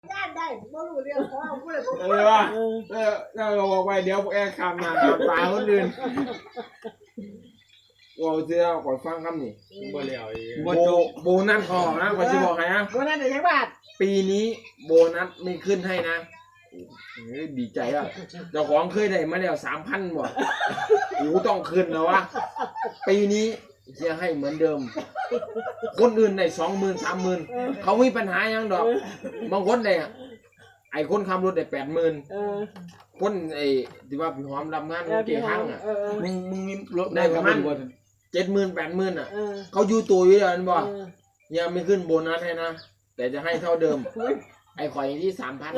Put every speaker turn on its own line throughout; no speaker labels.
ย่านได้บ่รู้เรื่องเพราะเอาผู้ใดบ่
ว่าเราบอกไปเดี๋ยวแอร์คำมาปลาคนอื่นว่าเจ้าขอฟังคำนี่
บ่เลี้ยวอีก
โบนัสออกนะขอจะบอกให้นะ
บ่นั่นได้จักบาท
ปีนี้โบนัสไม่ขึ้นให้นะดีใจอ่ะเจ้าของเคยได้มาแล้ว3,000บ่กูต้องขึ้นแล้ววะปีนี้จะให้เหมือนเดิม คนอื่นได้20,000 30,000เขามีปัญหายังดอกบางคนได้ไอ้คนขับรถได้80,000คนไอ้ที่ว่าพี่หอมรับงานเกี่ยห้างอ่ะ
มึงมีรถ
ได้ประมาณ70,000 80,000อ่ะเขาอยู่ตัวอยู่แล้วนั่นบ่ยังไม่ขึ้นโบนัสให้นะแต่จะให้เท่าเดิมไอ้ข่อยที่3,000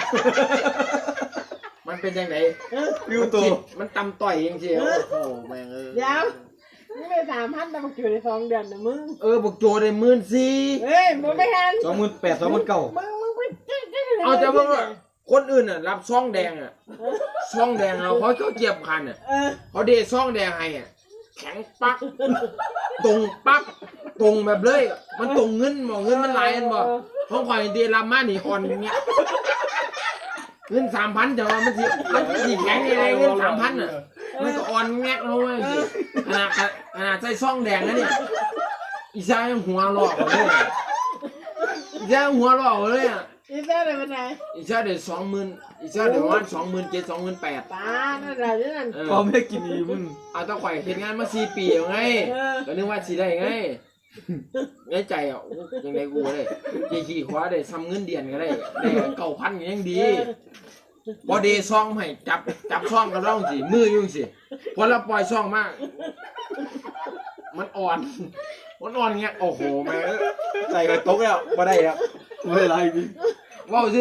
มันเป็นยังไง
วิวตัว
มันตำต่อยจริงๆโอ้โหแม่ง
เดี๋ยวมึงได้3,000แต่มึงอยู่ใน2เดือนนะมึง
บอกโจได้14,000
เฮ้ยมึงไม่ทัน
28,000 29,000
มึงไป
เอาแต่ว่าคนอื่นอ่ะรับซองแดงอ่ะซองแดงเขาเจ็บคันอ่ะเขาเดซองแดงให้อ่ะแข็งปักตรงปักตรงแบบเลยมันตรงเงินบอกเงินมันหลายอันบอกห้องข่อยเดรับมานี่อ่อนอย่างเงี้ยเงิน3,000แต่ว่ามันสิแข็งยังไงเงิน3,000อ่ะมันก็อ่อนแงกลงมาสิขนาดใส่ซองแดงนะเนี่ยอีชายยังหัวหลอกเลยอีชายหัวหลอกเลยอ่ะ
อีเซ่เลยเป็นไง
อีชาเดี๋ยว20,000อีชาเดี๋ยวประมาณ27,000 28,000
ตานั่นแหละนั่น
พอไม่กินอีมึง
เอาตะไคร่เห็นงานมา4 ปีแล้วไงก็นึกว่าสิได้ไงในใจอ่ะยังไงกูเลยขี่คว้าได้ซ้ำเงินเดือนก็ได้9,000ก็ยังดีพอเดซองให้จับซองกับเราสิมือยุ่งสิพอเราปล่อยซองมากมันอ่อนเงี้ยโอ้โหแม่
ใส่กระตกแล้วบ่ได้แล้วไม่ได้ไรจริง
ว้าว